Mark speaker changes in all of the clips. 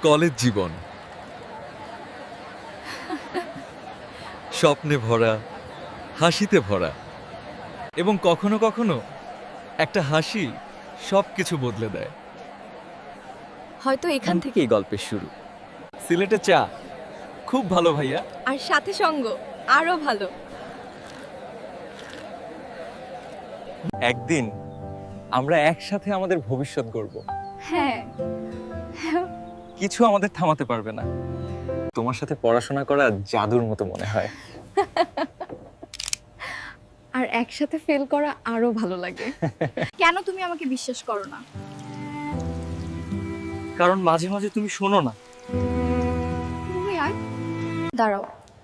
Speaker 1: College জীবন স্বপ্নে ভরা, হাসিতে ভরা, এবং কখনো কখনো একটা হাসি সবকিছু বদলে দেয়।
Speaker 2: হয়তো এখান থেকে
Speaker 1: থেকেই গল্পের শুরু। সিলেটে চা খুব ভালো ভাইয়া।
Speaker 2: আর সাথে সঙ্গ আরো ভালো।
Speaker 1: একদিন আমরা একসাথে আমাদের ভবিষ্যৎ গড়ব।
Speaker 2: হ্যাঁ,
Speaker 1: কিছু আমাদের থামাতে পারবে না। তোমার সাথে পড়াশোনা করা জাদুর মতো মনে হয়।
Speaker 2: আর একসাথে ফেল করা আরো ভালো লাগে। কেন তুমি আমাকে বিশ্বাস করো না?
Speaker 1: কারণ মাঝে মাঝে তুমি শোনো না।
Speaker 2: তুমি আয়, দাঁড়াও,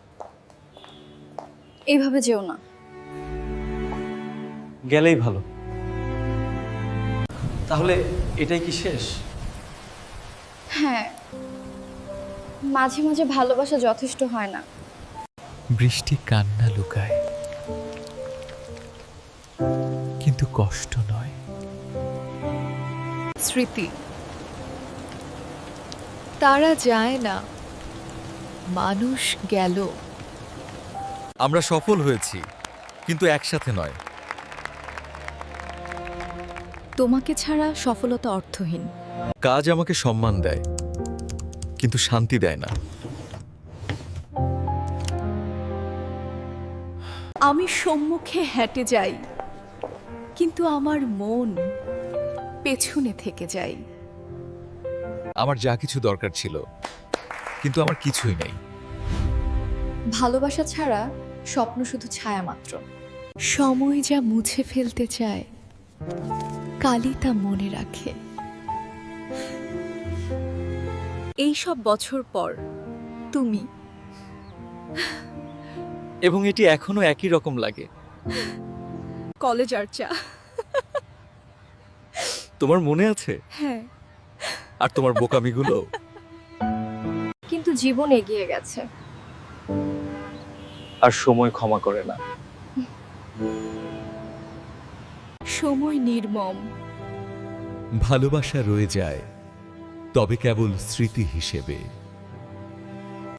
Speaker 2: এইভাবে যেও না।
Speaker 1: গেলেই ভালো। তাহলে এটাই কি শেষ?
Speaker 2: হ্যাঁ, মাঝে মাঝে ভালোবাসা যথেষ্ট হয় না।
Speaker 3: বৃষ্টি কান্না লুকায়, কিন্তু কষ্ট নয়।
Speaker 4: স্মৃতি তারা যায় না, মানুষ গেল।
Speaker 1: আমরা সফল হয়েছি, কিন্তু একসাথে নয়।
Speaker 2: তোমাকে ছাড়া সফলতা অর্থহীন।
Speaker 1: কাজ আমাকে সম্মান দেয়, কিন্তু শান্তি দেয় না।
Speaker 4: আমি সম্মুখে হেঁটে যাই, কিন্তু আমার মন পেছনে থেকে যায়।
Speaker 1: আমার যা কিছু দরকার ছিল, কিন্তু আমার কিছুই নেই।
Speaker 2: ভালোবাসা ছাড়া স্বপ্ন শুধু ছায়া মাত্র।
Speaker 4: সময় যা মুছে ফেলতে চায়, কালই তা মনে রাখে। এই সব বছর পর তুমি,
Speaker 1: এবং এটি এখনো একই রকম লাগে।
Speaker 4: কলেজ আর চা।
Speaker 1: তোমার মনে আছে?
Speaker 4: হ্যাঁ,
Speaker 1: আর তোমার বোকামিগুলো?
Speaker 2: কিন্তু জীবন এগিয়ে গেছে।
Speaker 1: আর সময় ক্ষমা করে না।
Speaker 4: সময় নির্মম।
Speaker 3: ভালোবাসা রয়ে যায়, তবে কেবল স্মৃতি হিসেবে।